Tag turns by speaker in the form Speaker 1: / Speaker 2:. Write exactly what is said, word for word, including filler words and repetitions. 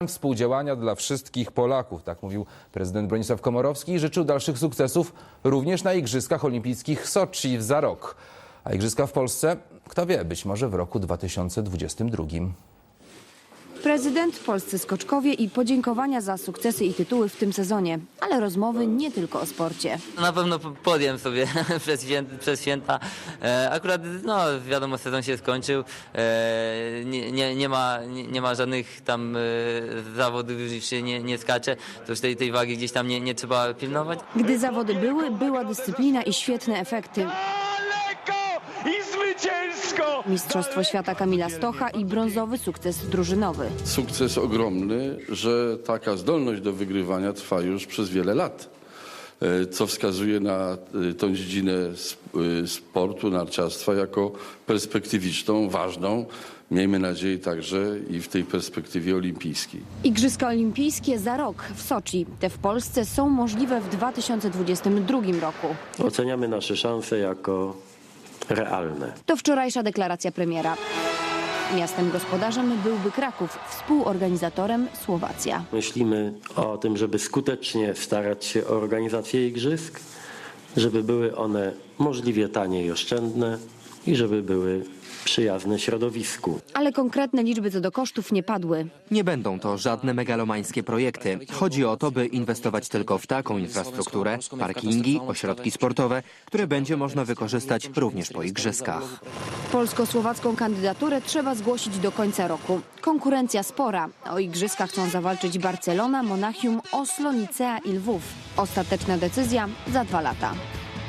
Speaker 1: Współdziałania dla wszystkich Polaków, tak mówił prezydent Bronisław Komorowski i życzył dalszych sukcesów również na Igrzyskach Olimpijskich w Soczi za rok. A Igrzyska w Polsce, kto wie, być może w roku dwa tysiące dwudziestym drugim.
Speaker 2: Prezydent, polscy skoczkowie i podziękowania za sukcesy i tytuły w tym sezonie. Ale rozmowy nie tylko o sporcie.
Speaker 3: Na pewno podjem sobie przez święta. Przez święta. E, akurat, no wiadomo, sezon się skończył. E, nie, nie, nie, ma, nie, nie ma żadnych tam e, zawodów, już się nie, nie skacze. To już tej, tej wagi gdzieś tam nie, nie trzeba pilnować.
Speaker 2: Gdy zawody były, była dyscyplina i świetne efekty.
Speaker 4: I zwycięsko!
Speaker 2: Mistrzostwo świata Kamila Stocha i brązowy sukces drużynowy.
Speaker 5: Sukces ogromny, że taka zdolność do wygrywania trwa już przez wiele lat, co wskazuje na tą dziedzinę sportu, narciarstwa jako perspektywiczną, ważną. Miejmy nadzieję także i w tej perspektywie olimpijskiej.
Speaker 2: Igrzyska Olimpijskie za rok w Soczi. Te w Polsce są możliwe w dwa tysiące dwudziestym drugim roku.
Speaker 6: Oceniamy nasze szanse jako realne.
Speaker 2: To wczorajsza deklaracja premiera. Miastem gospodarzem byłby Kraków, współorganizatorem Słowacja.
Speaker 6: Myślimy o tym, żeby skutecznie starać się o organizację igrzysk, żeby były one możliwie tanie i oszczędne i żeby były przyjazne środowisku.
Speaker 2: Ale konkretne liczby co do kosztów nie padły.
Speaker 7: Nie będą to żadne megalomańskie projekty. Chodzi o to, by inwestować tylko w taką infrastrukturę, parkingi, ośrodki sportowe, które będzie można wykorzystać również po igrzyskach.
Speaker 2: Polsko-słowacką kandydaturę trzeba zgłosić do końca roku. Konkurencja spora. O igrzyskach chcą zawalczyć Barcelona, Monachium, Oslo, Nicea i Lwów. Ostateczna decyzja za dwa lata.